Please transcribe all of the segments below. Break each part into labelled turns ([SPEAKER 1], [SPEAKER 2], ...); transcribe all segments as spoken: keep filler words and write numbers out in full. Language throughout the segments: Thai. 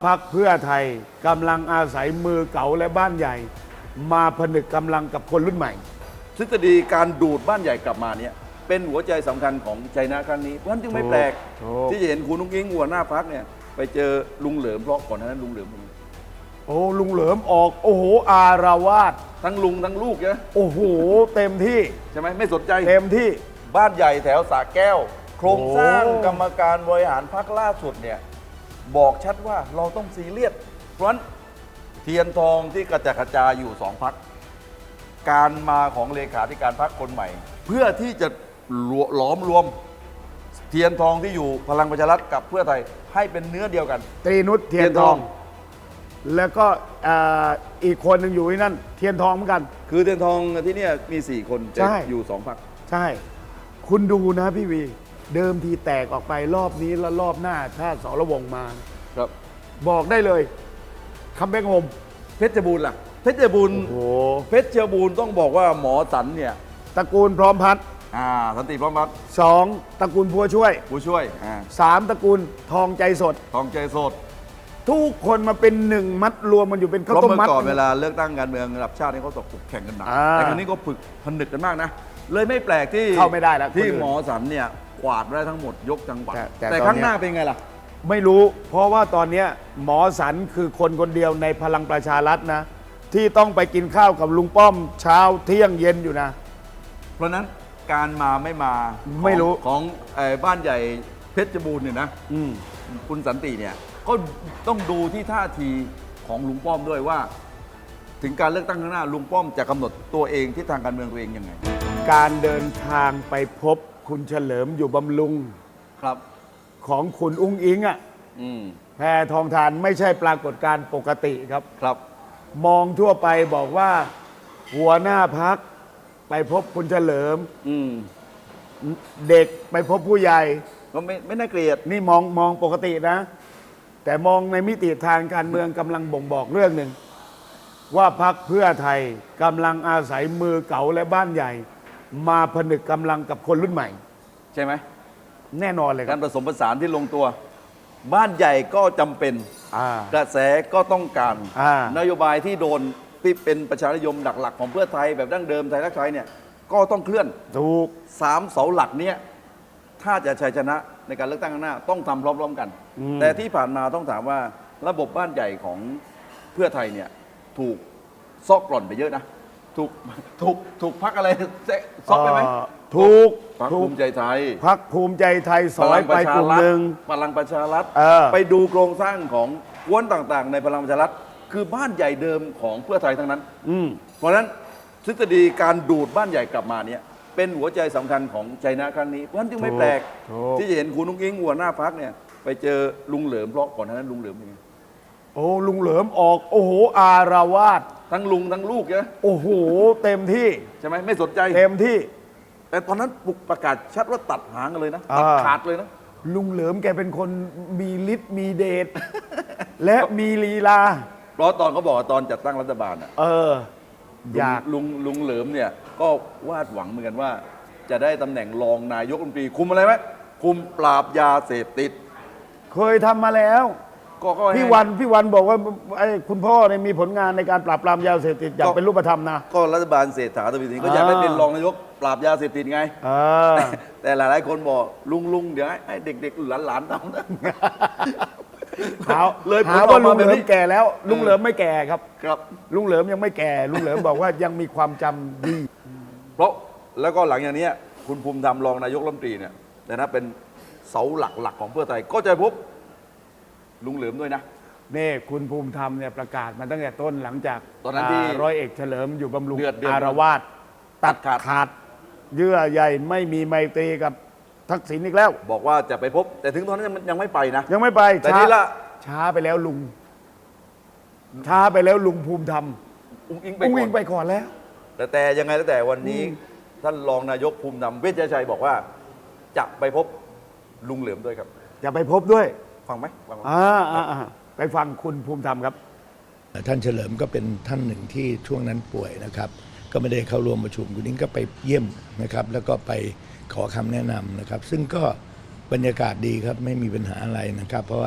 [SPEAKER 1] พรรคเพื่อไทยกำลังอาศัยมือเก่าและบ้านใหญ่ มาผนึกกำลังกับคนรุ่นใหม่
[SPEAKER 2] ทฤษฎีการดูดบ้านใหญ่กลับมาเนี่ยเป็นหัวใจสำคัญของชัยนะครั้งนี้เพราะฉะนั้นจึงไม่แปลกที่จะเห็นคุณนุ้งอิงหัวหน้าพรรคเนี่ยไปเจอลุงเหลิมเพราะก่อนหน้านั้นลุงเหลิมเป็นไง
[SPEAKER 1] โอ้ลุงเหลิมออกโอ้โหอารวาส
[SPEAKER 2] ทั้งลุงทั้งลูกเนี่ย
[SPEAKER 1] โอ้โหเต็มที่
[SPEAKER 2] ใช่ไหมไม่สนใจ
[SPEAKER 1] เต็มที่
[SPEAKER 2] บ้านใหญ่แถวสระแก้วโครงสร้างกรรมการบริหารพรรคล่าสุดเนี่ยบอกชัดว่าเราต้องซีเรียสเพราะฉะนั้นเทียนทองที่กระจัดกระจายอยู่สองพรรคการมาของเลขาธิการพรรคคนใหม่ เพื่อที่จะหลอมรวมเทียนทองที่อยู่พลังประชารัฐกับเพื่อไทยให้เป็นเนื้อเดียวกัน
[SPEAKER 1] ตรีนุชเทียนทองแล้วก็อีกคนหนึ่งอยู่ที่นั่นเทียนทองเหมือนกัน
[SPEAKER 2] คือเทียนทองที่นี่มีสี่คนอยู่สองพรรค
[SPEAKER 1] ใช่คุณดูนะพี่วีเดิมทีแตกออกไปรอบนี้แล้วรอบหน้าถ้าสรวงมา
[SPEAKER 2] ครับ
[SPEAKER 1] บอกได้เลยคัมแบ็กโฮม
[SPEAKER 2] เพชรบูรณ์ล่ะเพชรบูรณ์เพชรบูรณ์ต้องบอกว่าหมอสันเนี่ย
[SPEAKER 1] ตระกูลพร้อมพัฒน์
[SPEAKER 2] อ่าสันติพร้อมพัฒน์
[SPEAKER 1] สองตระกูลพัวช่วย
[SPEAKER 2] ผู้ช่วยอ่า
[SPEAKER 1] สามตระกูลทองใจสด
[SPEAKER 2] ทองใจสด
[SPEAKER 1] ทุกคนมาเป็นหนึ่งมัดรวมมันอยู่เป็นข้าวต้มมัด
[SPEAKER 2] เมื่อก่อนเวลาเลือกตั้งการเมืองระดับชาตินี่เขาตกแข่งกันหนักแต่ครั้งนี้ก็ฝึกผนึกกันมากนะเลยไม่แปลกที่
[SPEAKER 1] เข้าไม่ได้แล้ว
[SPEAKER 2] ที่หมอสันเนี่ยกวาดได้ทั้งหมดยกจังหวัดแต่ข้างหน้าเป็นไงล่ะ
[SPEAKER 1] ไม่รู้เพราะว่าตอนนี้หมอสันคือคนคนเดียวในพลังประชารัฐนะที่ต้องไปกินข้าวกับลุงป้อมเช้าเที่ยงเย็นอยู่นะ
[SPEAKER 2] เพราะนั้นการมาไม่มา
[SPEAKER 1] ไม่รู้
[SPEAKER 2] ของบ้านใหญ่เพชรบูรณ์เนี่ยนะคุณสันติเนี่ยก็ต้องดูที่ท่าทีของลุงป้อมด้วยว่าถึงการเลือกตั้งข้างหน้าลุงป้อมจะกำหนดตัวเองที่ทางการเมืองตัวเองยังไง
[SPEAKER 1] การเดินทางไปพบคุณเฉลิมอยู่บำรุง
[SPEAKER 2] ครับ
[SPEAKER 1] ของคุณอุ้งอิงอ่ะแพทองทานไม่ใช่ปรากฏการณ์ปกติครับ
[SPEAKER 2] ครับ
[SPEAKER 1] มองทั่วไปบอกว่าหัวหน้าพักไปพบคุณเฉลิมเด็กไปพบผู้ใหญ่
[SPEAKER 2] ก็ไม่ไม่น่าเกลียด
[SPEAKER 1] นี่มองมองปกตินะแต่มองในมิติทางการเมืองกำลังบ่งบอกเรื่องหนึ่งว่าพรรคเพื่อไทยกำลังอาศัยมือเก่าและบ้านใหญ่ มาผนึกกำลังกับคนรุ่นใหม่
[SPEAKER 2] ใช่ไหม
[SPEAKER 1] แน่นอนเลย
[SPEAKER 2] การผสมผสานที่ลงตัวบ้านใหญ่ก็จำเป็นกระแสก็ต้องการนโยบายที่โดนที่เป็นประชานิยมหลักๆของเพื่อไทยแบบดั้งเดิมไทยรักไทยเนี่ยก็ต้องเคลื่อน
[SPEAKER 1] ถูก
[SPEAKER 2] สามเสาหลักเนี้ยถ้าจะชัยชนะในการเลือกตั้งข้างหน้าต้องทำพร้อมๆกันแต่ที่ผ่านมาต้องถามว่าระบบบ้านใหญ่ของเพื่อไทยเนี่ยถูกซอกกร่อนไปเยอะนะถูกถูกถูกพักอะไรซอกไปไหม
[SPEAKER 1] ถูก
[SPEAKER 2] พักภูมิใจไทย
[SPEAKER 1] พักภูมิใจไทยสอยไปกลุ่มหนึ่ง
[SPEAKER 2] พลังประชารัฐไปดูโครงสร้างของกวนต่างๆในพลังประชารัฐคือบ้านใหญ่เดิมของเพื่อไทยทั้งนั้นเพราะฉะนั้นทฤษฎีการดูดบ้านใหญ่กลับมาเนี่ยเป็นหัวใจสำคัญของชัยนะครั้งนี้เพราะฉะนั้นจึงไม่แปลกที่จะเห็นคุณนุ้งอิงหัวหน้าพรรคเนี่ยไปเจอลุงเหลิมเพราะก่อนหน้านั้นลุงเหลิมเป็นไง
[SPEAKER 1] โอ้ลุงเหลิมออกโอ้โหอารวาส
[SPEAKER 2] ทั้งลุงทั้งลูกเนี่ย
[SPEAKER 1] โอ้โหเต็มที่
[SPEAKER 2] ใช่ไหมไม่สนใจ
[SPEAKER 1] เต็มที่
[SPEAKER 2] แต่ตอนนั้นปลุกประกาศชัดว่าตัดหางกันเลยนะตัดขาดเลยนะ
[SPEAKER 1] ลุงเหลิมแกเป็นคนมีฤทธิ์มีเดชและมีลีลา
[SPEAKER 2] เพราะตอนเขาบอกตอนจัดตั้งรัฐบาลอ่ะ
[SPEAKER 1] เอออยาก
[SPEAKER 2] ลุงลุงเหลิมเนี่ยก็วาดหวังเหมือนกันว่าจะได้ตำแหน่งรองนายกรัฐมนตรีคุมอะไรไหมคุมปราบยาเสพติด
[SPEAKER 1] เคยทำมาแล้วพี่วันพี่วันบอกว่าไอ้คุณพ่อเนี่ยมีผลงานในการปราบปรามยาเสพติดอย่างเป็นรูปธรรมนะ
[SPEAKER 2] ก็รัฐบาลเศรษฐาทวีสินก็อยากได้เป็นรองนายกปราบยาเสพติดไงแต่หลายๆคนบอกลุงลุงเดี๋ยวให้เด็กๆหลานๆทำนะ
[SPEAKER 1] หาเลยหาว่าลุงเหลิมแก่แล้วลุงเหลิมไม่แก่ครับ
[SPEAKER 2] ครับ
[SPEAKER 1] ลุงเหลิมยังไม่แก่ลุงเหลิมบอกว่ายังมีความจำดี
[SPEAKER 2] เพราะแล้วก็หลังอย่างนี้คุณภูมิธรรมรองนายกรัฐมนตรีเนี่ยแต่นะเป็นเสาหลักๆของเพื่อไทยก็จะพบลุงเหลิมด้วยนะ
[SPEAKER 1] นี่คุณภูมิธรรมเนี่ยประกาศมาตั้งแต่ต้นหลังจาก
[SPEAKER 2] ตอนนั้นที่
[SPEAKER 1] ร้อยเอกเฉลิมอยู่บำรุงอารวาสตัดขาดเยื่อใยไม่มีไมตรีกับทักษิณอีกแล้ว
[SPEAKER 2] บอกว่าจะไปพบแต่ถึงตอนนั้นยังไม่ไปนะ
[SPEAKER 1] ยังไม่ไป
[SPEAKER 2] แต่นี่ละ
[SPEAKER 1] ช้าไปแล้วลุงช้าไปแล้วลุงภูมิธรรม
[SPEAKER 2] อุ้งอิง
[SPEAKER 1] ไปก่อนแล้ว
[SPEAKER 2] แต่แต่ยังไงแล้วแต่วันนี้ท่านรองนายกภูมิธรรมเวชชัยบอกว่าจะไปพบลุงเหลิมด้วยครับ
[SPEAKER 1] จะไปพบด้วย
[SPEAKER 2] ฟังไหมฟัง
[SPEAKER 1] อ่าไปฟังคุณภูมิธรรมครับ
[SPEAKER 3] ท่านเฉลิมก็เป็นท่านหนึ่งที่ช่วงนั้นป่วยนะครับก็ไม่ได้เข้าร่วมประชุมคุณนิ้งก็ไปเยี่ยมนะครับแล้วก็ไปขอคำแนะนำนะครับซึ่งก็บรรยากาศดีครับไม่มีปัญหาอะไรนะครับเพราะว่า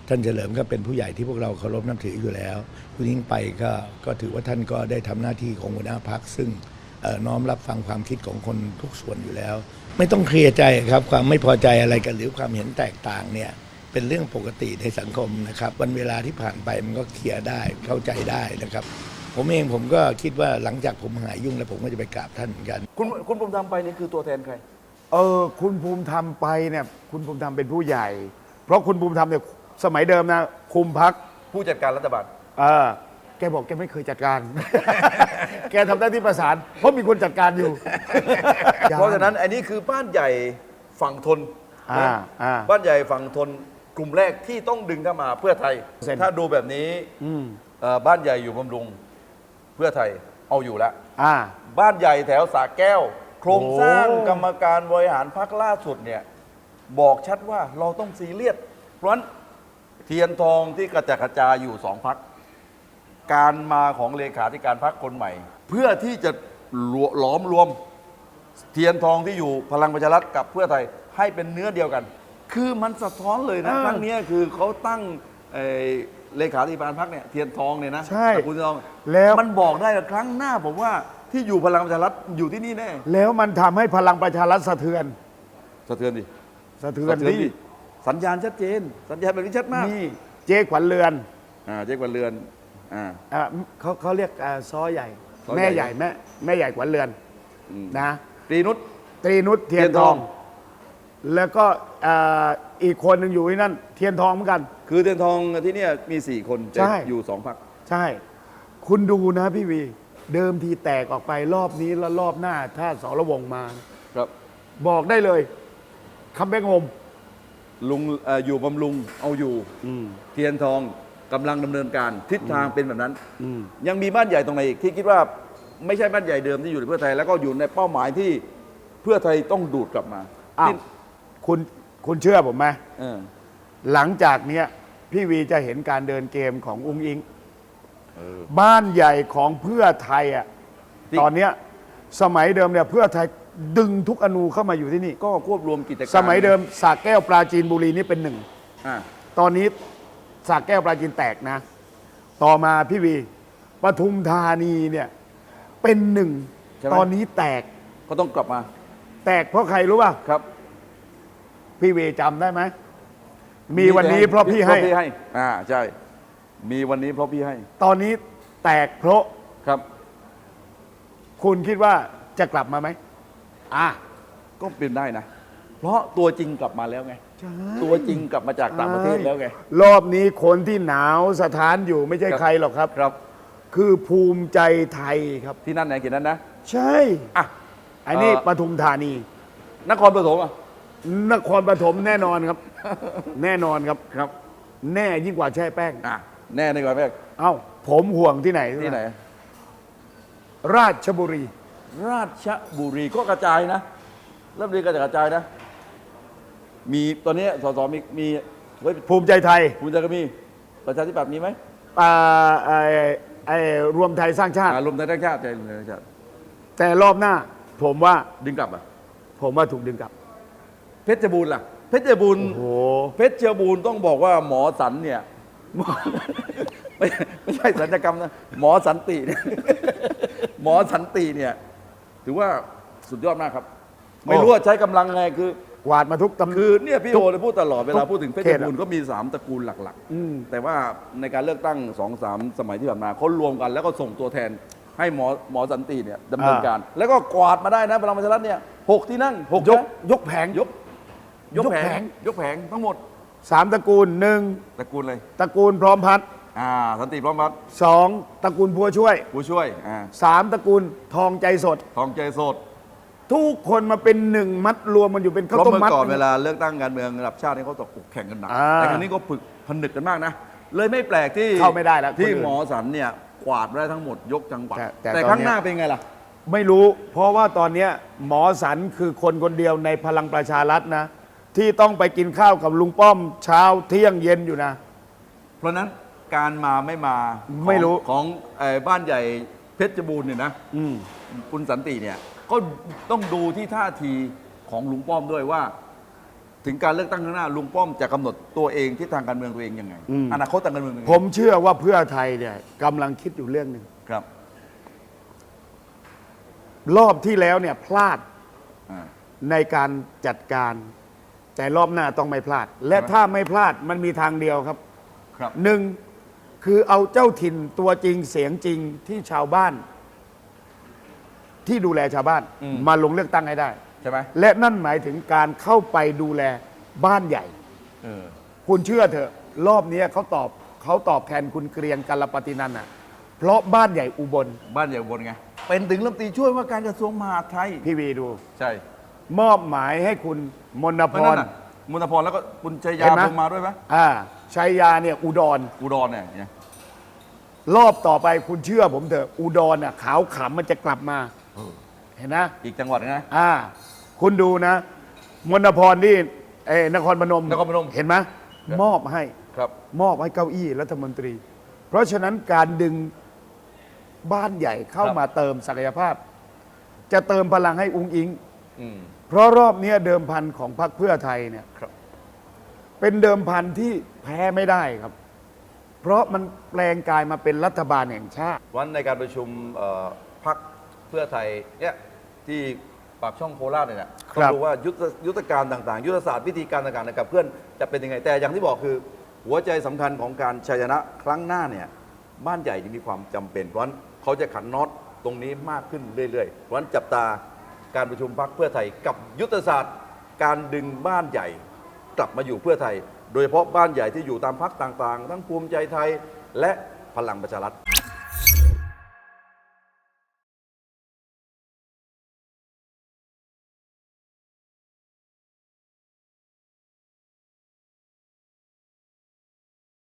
[SPEAKER 3] ท่านเฉลิมก็เป็นผู้ใหญ่ที่พวกเราเคารพนับถืออยู่แล้วคุณยิ่งไปก็ก็ถือว่าท่านก็ได้ทำหน้าที่ของหัวหน้าพรรคซึ่งเอ่อน้อมรับฟังความคิดของคนทุกส่วนอยู่แล้ว ไม่ต้องเคลียร์ใจครับความไม่พอใจอะไรกันหรือความเห็นแตกต่างเนี่ยเป็นเรื่องปกติในสังคมนะครับวันเวลาที่ผ่านไปมันก็เคลียร์ได้เข้าใจได้นะครับผมเองผมก็คิดว่าหลังจากผมหายยุ่งแล้วผมก็จะไปกราบท่านเหมือนกัน
[SPEAKER 2] คุณคุณภูมิธรรมไปนี่คือตัวแทนใคร
[SPEAKER 1] เออคุณภูมิธรรมไปเนี่ยคุณภูมิธรรมเป็นผู้ใหญ่ เพราะคุณภูมิธรรมเนี่ยสมัยเดิมนะคุมพัก
[SPEAKER 2] ผู้จัดการรัฐบาล
[SPEAKER 1] เออแกบอกแกไม่เคยจัดการ แกทำหน้าที่ประสาน เพราะมีคนจัดการอยู่
[SPEAKER 2] เพราะฉะนั้นอันนี้คือบ้านใหญ่ฝั่งทน
[SPEAKER 1] อ่า
[SPEAKER 2] นะ
[SPEAKER 1] อ่า
[SPEAKER 2] บ้านใหญ่ฝั่งทนกลุ่มแรกที่ต้องดึงเข้ามาเพื่อไทย
[SPEAKER 1] เซ็น
[SPEAKER 2] ถ้าดูแบบนี้
[SPEAKER 1] อืม
[SPEAKER 2] เอ่อบ้านใหญ่อยู่บำรุงเพื่อไทยเอาอยู่แล้ว
[SPEAKER 1] อ่า
[SPEAKER 2] บ้านใหญ่แถวสระแก้ว โครงสร้าง
[SPEAKER 1] โอ้
[SPEAKER 2] กรรมการบริหารพรรคล่าสุดเนี่ยบอกชัดว่าเราต้องซีเรียสเพราะฉะนั้นเทียนทองที่กระจัดกระจายอยู่สองพรรคการมาของเลขาธิการพรรคคนใหม่ เพื่อที่จะหลอมรวมเทียนทองที่อยู่พลังประชารัฐกับเพื่อไทยให้เป็นเนื้อเดียวกัน คือมันสะท้อนเลยนะ
[SPEAKER 1] อ่า
[SPEAKER 2] ครั้งเนี้ยคือเขาตั้งเอ่อเลขาธิการพรรคเนี่ยเทียนทองเนี่ยนะ
[SPEAKER 1] ใช่
[SPEAKER 2] ตระกูลเทียนทอง
[SPEAKER 1] แล้ว
[SPEAKER 2] มันบอกได้ว่าครั้งหน้าผมว่าที่อยู่พลังประชารัฐอยู่ที่นี่แน่
[SPEAKER 1] แล้วมันทำให้พลังประชารัฐสะเทือน
[SPEAKER 2] สะเทือนดิ
[SPEAKER 1] สะเทือน
[SPEAKER 2] สะเทือน
[SPEAKER 1] ดิ
[SPEAKER 2] ดิสัญญาณชัดเจน สัญญาณแบบนี้ชัดมาก
[SPEAKER 1] นี่เจ๊ขวัญเรือน
[SPEAKER 2] อ่าเจ๊กวันเรือนอ่า
[SPEAKER 1] อ่าเขาเขาเรียกอ่าซ้อใหญ่
[SPEAKER 2] ซ้อใหญ่
[SPEAKER 1] แม่ใหญ่แม่แม่ใหญ่ขวัญเรือน
[SPEAKER 2] อืม
[SPEAKER 1] นะ
[SPEAKER 2] ตรีนุช
[SPEAKER 1] ตรีนุชเทียนทอง แล้วก็อ่าอีกคนหนึ่งอยู่ที่นั่น เทียนทองเหมือนกัน
[SPEAKER 2] คือเทียนทองที่เนี่ยมีสี่คนแต่
[SPEAKER 1] ใช่
[SPEAKER 2] อยู่สองพรรค
[SPEAKER 1] ใช่ คุณดูนะพี่วี เดิมทีแตกออกไปรอบนี้แล้วรอบหน้า ถ้าสรวงมา
[SPEAKER 2] ครับ
[SPEAKER 1] บอกได้เลยคำแบงโฮม
[SPEAKER 2] ลุงเอ่ออยู่บำรุงเอาอยู่ เทียนทองกำลังดำเนินการทิศทางเป็นแบบนั้น ยังมีบ้านใหญ่ตรงไหนอีกที่คิดว่าไม่ใช่บ้านใหญ่เดิมที่อยู่ในเพื่อไทย แล้วก็อยู่ในเป้าหมายที่เพื่อไทยต้องดูดกลับมา
[SPEAKER 1] อ้าว
[SPEAKER 2] ที่
[SPEAKER 1] คุณคุณเชื่อผมไหม
[SPEAKER 2] เออ
[SPEAKER 1] หลังจากเนี้ยพี่วีจะเห็นการเดินเกมของอุ้งอิง
[SPEAKER 2] เออ
[SPEAKER 1] บ้านใหญ่ของเพื่อไทยอ่ะ
[SPEAKER 2] จริง
[SPEAKER 1] ตอนเนี้ยสมัยเดิมเนี่ยเพื่อไทยดึงทุกอนูเข้ามาอยู่ที่นี่
[SPEAKER 2] ก็ควบรวมกิจการ
[SPEAKER 1] สมัยเดิมสระแก้วปราจีนบุรีนี่เป็นหนึ่ง
[SPEAKER 2] อ่า
[SPEAKER 1] ตอนนี้สระแก้วปราจีนแตกนะ ต่อมาพี่วีปทุมธานีเนี่ยเป็นหนึ่ง
[SPEAKER 2] ใช่ไหม
[SPEAKER 1] ตอนนี้แตก
[SPEAKER 2] ก็ต้องกลับมา
[SPEAKER 1] แตกเพราะใครรู้ป่ะ
[SPEAKER 2] ครับ
[SPEAKER 1] พี่วีจำได้ไหมมีวันนี้เพราะพี่ให้
[SPEAKER 2] เพราะพี่ให้อ่าใช่ มีวันนี้เพราะพี่ให้
[SPEAKER 1] ตอนนี้แตกเพราะ
[SPEAKER 2] ครับ
[SPEAKER 1] คุณคิดว่าจะกลับมาไหมอ่ะ
[SPEAKER 2] ก็เป็นได้นะ เพราะตัวจริงกลับมาแล้วไง ตัวจริงกลับมาจากต่างประเทศแล้วไง
[SPEAKER 1] รอบนี้คนที่หนาวสถานอยู่ไม่ใช่
[SPEAKER 2] ครับ
[SPEAKER 1] ใครหรอกครับ
[SPEAKER 2] ครับ
[SPEAKER 1] คือภูมิใจไทยครับ
[SPEAKER 2] ที่นั่นไหนเขียนนั้นนะ
[SPEAKER 1] ใช่
[SPEAKER 2] อ่ะ
[SPEAKER 1] อันนี้
[SPEAKER 2] เอ่อ
[SPEAKER 1] ปทุมธานี
[SPEAKER 2] นครปฐมอ่ะ
[SPEAKER 1] นครปฐมแน่นอนครับ แน่นอนครับ
[SPEAKER 2] ครับ
[SPEAKER 1] แน่ยิ่งกว่าแช่แป้ง
[SPEAKER 2] อ่ะ แน่ในก่อนแรก
[SPEAKER 1] เอ้า ผมห่วงที่ไหน
[SPEAKER 2] ที่ไหน
[SPEAKER 1] ราชบุรี
[SPEAKER 2] ราชบุรีก็กระจายนะ เริ่มเรียนกระจายนะ มีตอนนี้สสมีมีไว้
[SPEAKER 1] ภูมิใจไทย
[SPEAKER 2] ภูมิใจก็มี ประชาธิปัตย์มีไหม
[SPEAKER 1] อ่าไอ้ไอ้รวมไทยสร้างชาติ
[SPEAKER 2] อ่ารวมไทยสร้างชาติใจรวมไทยสร้างชาติ
[SPEAKER 1] แต่รอบหน้า ผมว่า
[SPEAKER 2] ดึงกลับอ่ะ
[SPEAKER 1] ผมว่าถูกดึงกลับ
[SPEAKER 2] เพชรบูรณ์ล่ะ เพชรบูรณ์
[SPEAKER 1] โอ้โห
[SPEAKER 2] เพชรบูรณ์ต้องบอกว่าหมอสันเนี่ย ไม่ไม่ใช่สัญญกรรมนะ หมอสันติเนี่ย หมอสันติเนี่ย ถือว่าสุดยอดมากครับ ไม่รู้ว่าใช้กำลังไงคือ
[SPEAKER 1] กวาดมาทุกตำ
[SPEAKER 2] คือเนี่ยพี่โอเลยพูดตลอดเวลาพูดถึงเพช
[SPEAKER 1] เข
[SPEAKER 2] ร
[SPEAKER 1] ตอะ
[SPEAKER 2] บูรณ์ก็มีสามตระกูลหลัก
[SPEAKER 1] อืม
[SPEAKER 2] ๆ แต่ว่าในการเลือกตั้งสองสามสมัยที่ผ่านมาเขารวมกันแล้วก็ส่งตัวแทนให้หมอหมอสันติเนี่ยดำเนินการ แล้วก็กวาดมาได้นะพลังประชารัฐเนี่ยหกที่นั่งหก
[SPEAKER 1] ยก
[SPEAKER 2] นะ
[SPEAKER 1] ยกแผง
[SPEAKER 2] ยก ยก
[SPEAKER 1] ยก
[SPEAKER 2] แผ
[SPEAKER 1] แผ
[SPEAKER 2] ง
[SPEAKER 1] ง
[SPEAKER 2] ยกแผงทั้งหมด
[SPEAKER 1] สามตระกูลหนึ่ง
[SPEAKER 2] ตระกูลเลย
[SPEAKER 1] ตระกูลพร้อมพัฒน์
[SPEAKER 2] อ่าสันติพร้อมพัฒน์
[SPEAKER 1] สองตระกูลพัวช่วย
[SPEAKER 2] ผู้ช่วยอ่า
[SPEAKER 1] สามตระกูลทองใจสด
[SPEAKER 2] ทองใจโสด
[SPEAKER 1] ทุกคนมาเป็นหนึ่งมัดรวมมันอยู่เป็น
[SPEAKER 2] เพ
[SPEAKER 1] ข้าว
[SPEAKER 2] ราะ
[SPEAKER 1] ต้ม
[SPEAKER 2] เมื่อ
[SPEAKER 1] มัด
[SPEAKER 2] ก่อนเวลาเลือกตั้งการเมืองระดับชาตินี่เขาตกแข่งกันหนัก
[SPEAKER 1] อ่า
[SPEAKER 2] แต่ครั้งนี้ก็ฝึกผนึกกันมากนะ เลยไม่แปลกที่
[SPEAKER 1] เข้าไม่ได้แล้ว
[SPEAKER 2] ที่
[SPEAKER 1] คนอื่น
[SPEAKER 2] หมอสันเนี่ยกวาดได้ทั้งหมดยกจังหวัด
[SPEAKER 1] แต่แต่
[SPEAKER 2] แต่
[SPEAKER 1] ตอน
[SPEAKER 2] ข้าง
[SPEAKER 1] เนี้ย
[SPEAKER 2] หน้าเป็นไงล่ะ
[SPEAKER 1] ไม่รู้ เพราะว่าตอนเนี้ยหมอสันคือคนคนเดียวในพลังประชารัฐนะ ที่ต้องไปกินข้าวกับลุงป้อมเช้าเที่ยงเย็นอยู่นะ
[SPEAKER 2] เพราะฉะนั้นการมาไม่มาของ
[SPEAKER 1] ไม่รู้
[SPEAKER 2] ของเอ่อบ้านใหญ่เพชรบูรณ์เนี่ยนะ
[SPEAKER 1] อืม
[SPEAKER 2] คุณสันติเนี่ยก็ต้องดูที่ท่าทีของลุงป้อมด้วยว่าถึงการเลือกตั้งข้างหน้าลุงป้อมจะกำหนดตัวเองที่ทางการเมืองตัวเองยังไง
[SPEAKER 1] อืม
[SPEAKER 2] อนาคตทางการเมืองยังไง
[SPEAKER 1] ผมเชื่อว่าเพื่อไทยเนี่ยกำลังคิดอยู่เรื่องหนึ่ง
[SPEAKER 2] ครับ
[SPEAKER 1] รอบที่แล้วเนี่ยพลาด
[SPEAKER 2] อ่า
[SPEAKER 1] ในการจัดการ แต่รอบหน้าต้องไม่พลาด และ
[SPEAKER 2] ใช่ไหม
[SPEAKER 1] ถ้าไม่พลาดมันมีทางเดียวครับ
[SPEAKER 2] ครับ
[SPEAKER 1] หนึ่งคือเอาเจ้าถิ่นตัวจริงเสียงจริงที่ชาวบ้าน ที่ดูแลชาวบ้าน
[SPEAKER 2] อืม
[SPEAKER 1] มาลงเลือกตั้งให้ได้
[SPEAKER 2] ใช่ไหม
[SPEAKER 1] และนั่นหมายถึงการเข้าไปดูแลบ้านใหญ่
[SPEAKER 2] เออ
[SPEAKER 1] คุณเชื่อเถอะรอบนี้เขาตอบเขาตอบแทนคุณเกรียงกัลปฏินันท์อ่ะเพราะบ้านใหญ่อุบล
[SPEAKER 2] บ้านใหญ่อุบนไงเป็นถึงรัฐมนตรีช่วยว่าการกระทรวงมหาดไทย
[SPEAKER 1] พี่วีดู
[SPEAKER 2] ใช่
[SPEAKER 1] มอบหมายให้คุณมน
[SPEAKER 2] เพ
[SPEAKER 1] พ
[SPEAKER 2] ราะนั่
[SPEAKER 1] ร
[SPEAKER 2] นน่ะมุนพรแล้วก็คุณชัยยา
[SPEAKER 1] เห็นไหม
[SPEAKER 2] ลงมาด้วยไหม
[SPEAKER 1] อ่าชัยยาเนี่ยอุดร
[SPEAKER 2] อุดรเนี่ยเนี่ย
[SPEAKER 1] รอบต่อไปคุณเชื่อผมเถอะอุดรน่ะขาวขำมันจะกลับมา เห็นนะ
[SPEAKER 2] อีกจังหวัดนะ
[SPEAKER 1] อ่า คุณดูนะ มนพรนี่เอ้นครพนม
[SPEAKER 2] นครพนม
[SPEAKER 1] เห็นไหมมอบให้
[SPEAKER 2] ครับ
[SPEAKER 1] มอบให้เก้าอี้รัฐมนตรี เพราะฉะนั้นการดึงบ้านใหญ่เข้า
[SPEAKER 2] ครับ
[SPEAKER 1] มาเติมศักยภาพ จะเติมพลังให้อุ้งอิง
[SPEAKER 2] อืม
[SPEAKER 1] เพราะรอบเนี้ยเดิมพันของพรรคเพื่อไทยเนี่ย
[SPEAKER 2] ครับ
[SPEAKER 1] เป็นเดิมพันที่แพ้ไม่ได้ครับ เพราะมันแปลงกายมาเป็นรัฐบาลแห่งชาติ
[SPEAKER 2] วันในการประชุมเอ่อพรรคเพื่อไทยเนี่ยที่ปากช่องโคราชเนี่ยนะ
[SPEAKER 1] ครั
[SPEAKER 2] ต้อบ งดูว่ายุทธยุทธการต่างๆ ยุทธศาสตร์วิธีการต่างๆนะครับเพื่อนจะเป็นยังไงแต่อย่างที่บอกคือ หัวใจสำคัญของการชัยชนะครั้งหน้าเนี่ยบ้านใหญ่จะมีความจำเป็นเพราะฉะนั้นเขาจะขันน็อตตรงนี้มากขึ้นเรื่อยๆเพราะฉะนั้นจับตาการประชุมพรรคเพื่อไทยกับยุทธศาสตร์การดึงบ้านใหญ่กลับมาอยู่เพื่อไทย โดยเฉพาะบ้านใหญ่ที่อยู่ตามพรรคต่างๆ ทั้งภูมิใจไทยและพลังประชารัฐ